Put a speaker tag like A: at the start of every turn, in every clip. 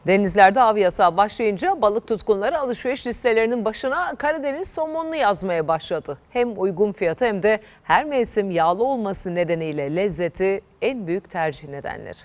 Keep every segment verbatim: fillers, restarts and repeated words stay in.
A: Denizlerde av yasağı başlayınca balık tutkunları alışveriş listelerinin başına Karadeniz somonunu yazmaya başladı. Hem uygun fiyatı hem de her mevsim yağlı olması nedeniyle lezzeti en büyük tercih nedenleri.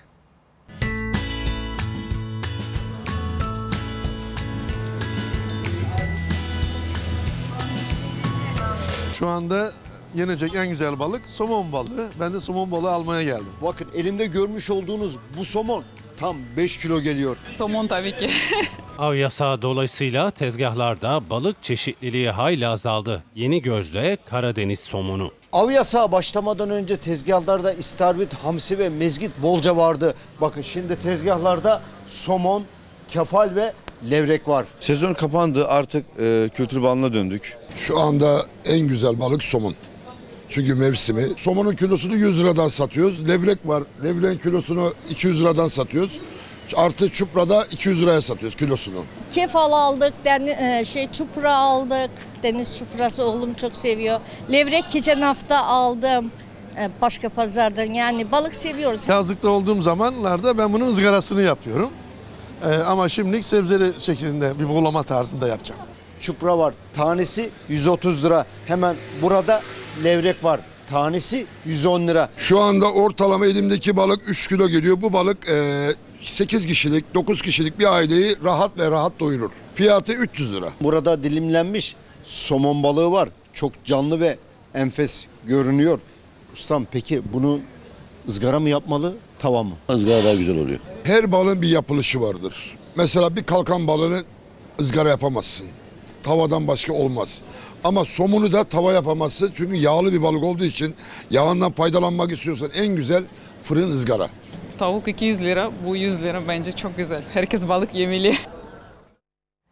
B: Şu anda yenecek en güzel balık somon balığı. Ben de somon balığı almaya geldim.
C: Bakın elimde görmüş olduğunuz bu somon tam beş kilo geliyor.
D: Somon tabii ki.
E: Av yasağı dolayısıyla tezgahlarda balık çeşitliliği hayli azaldı. Yeni gözle Karadeniz somonu.
C: Av yasağı başlamadan önce tezgahlarda istavrit, hamsi ve mezgit bolca vardı. Bakın şimdi tezgahlarda somon, kefal ve levrek var.
F: Sezon kapandı, artık e, kültür balına döndük.
G: Şu anda en güzel balık somon. Çünkü mevsimi. Somonun kilosunu yüz liradan satıyoruz. Levrek var. Levreğin kilosunu iki yüz liradan satıyoruz. Artı çuprada iki yüz liraya satıyoruz kilosunu.
H: Kefal aldık, den, şey çupra aldık. Deniz çuprası oğlum çok seviyor. Levrek geçen hafta aldım başka pazardan. Yani balık seviyoruz.
B: Yazlıkta olduğum zamanlarda ben bunun ızgarasını yapıyorum. Ee, ama şimdilik sebzeli şeklinde bir buğulama tarzında yapacağım.
C: Çupra var. Tanesi yüz otuz lira. Hemen burada levrek var. Tanesi yüz on lira.
G: Şu anda ortalama elimdeki balık üç kilo geliyor. Bu balık e, sekiz kişilik, dokuz kişilik bir aileyi rahat ve rahat doyurur. Fiyatı üç yüz lira.
C: Burada dilimlenmiş somon balığı var. Çok canlı ve enfes görünüyor. Ustam peki bunu ızgara mı yapmalı, tava mı?
F: Izgara daha güzel oluyor.
G: Her balığın bir yapılışı vardır. Mesela bir kalkan balığını ızgara yapamazsın. Tavadan başka olmaz. Ama somunu da tava yapamazsın. Çünkü yağlı bir balık olduğu için yağından faydalanmak istiyorsan en güzel fırın ızgara.
D: Tavuk iki yüz lira, bu yüz lira bence çok güzel. Herkes balık yemeli.